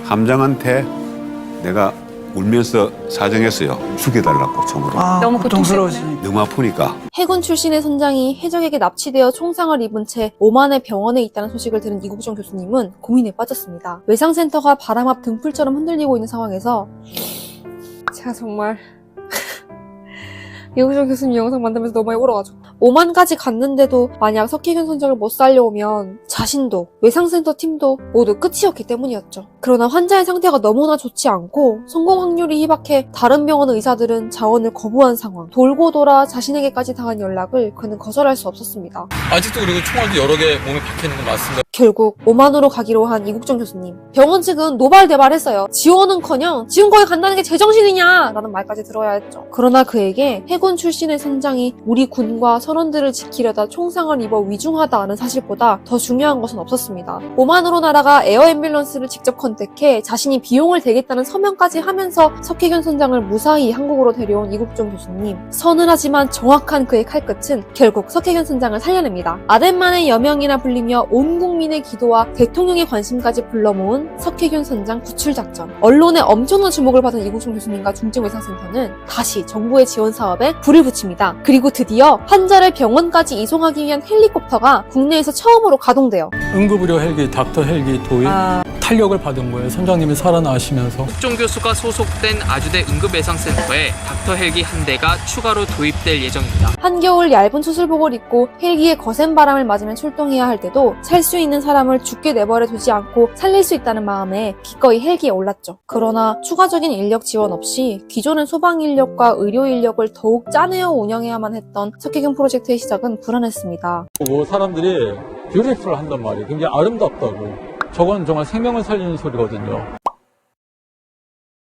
함장한테 내가 울면서 사정했어요. 죽여달라고 총으로. 너무 고통스러우시니까. 너무 아프니까. 해군 출신의 선장이 해적에게 납치되어 총상을 입은 채 오만의 병원에 있다는 소식을 들은 이국종 교수님은 고민에 빠졌습니다. 외상센터가 바람 앞 등불처럼 흔들리고 있는 상황에서 제가 정말 이국종 교수님 영상 만들면서 너무 많이 울어가지고 오만까지 갔는데도 만약 석혜균 선장을 못 살려오면 자신도 외상센터 팀도 모두 끝이었기 때문이었죠. 그러나 환자의 상태가 너무나 좋지 않고 성공 확률이 희박해 다른 병원 의사들은 자원을 거부한 상황. 돌고 돌아 자신에게까지 당한 연락을 그는 거절할 수 없었습니다. 아직도 그리고 총알도 여러 개 몸에 박혀있는 건 맞습니다. 결국 오만으로 가기로 한 이국종 교수님. 병원 측은 노발대발했어요. 지원은커녕 지금 거기 간다는 게 제정신이냐 라는 말까지 들어야 했죠. 그러나 그에게 해군 출신의 선장이 우리 군과 선원들을 지키려다 총상을 입어 위중하다는 사실보다 더 중요한 것은 없었습니다. 오만으로 날아가 에어 앰뷸런스를 직접 컨택해 자신이 비용을 대겠다는 서명까지 하면서 석혜균 선장을 무사히 한국으로 데려온 이국종 교수님. 서늘하지만 정확한 그의 칼끝은 결국 석혜균 선장을 살려냅니다. 아덴만의 여명이라 불리며 온 국민의 기도와 대통령의 관심까지 불러모은 석혜균 선장 구출작전. 언론의 엄청난 주목을 받은 이국종 교수님과 중증외상센터는 다시 정부의 지원 사업에 불을 붙입니다. 그리고 드디어 환자를 병원까지 이송하기 위한 헬리콥터가 국내에서 처음으로 가동돼요. 응급의료 헬기 닥터 헬기 도입 탄력을 받은 거예요. 선장님이 살아나시면서. 국종 교수가 소속된 아주대 응급예상센터에 닥터 헬기 한 대가 추가로 도입될 예정입니다. 한겨울 얇은 수술복을 입고 헬기의 거센 바람을 맞으며 출동해야 할 때도 살 수 있는 사람을 죽게 내버려 두지 않고 살릴 수 있다는 마음에 기꺼이 헬기에 올랐죠. 그러나 추가적인 인력 지원 없이 기존의 소방 인력과 의료 인력을 더욱 짜내어 운영해야만 했던 석혜균 프로젝트의 시작은 불안했습니다. 사람들이 뷰티풀 한단 말이에요. 굉장히 아름답다고. 저건 정말 생명을 살리는 소리거든요.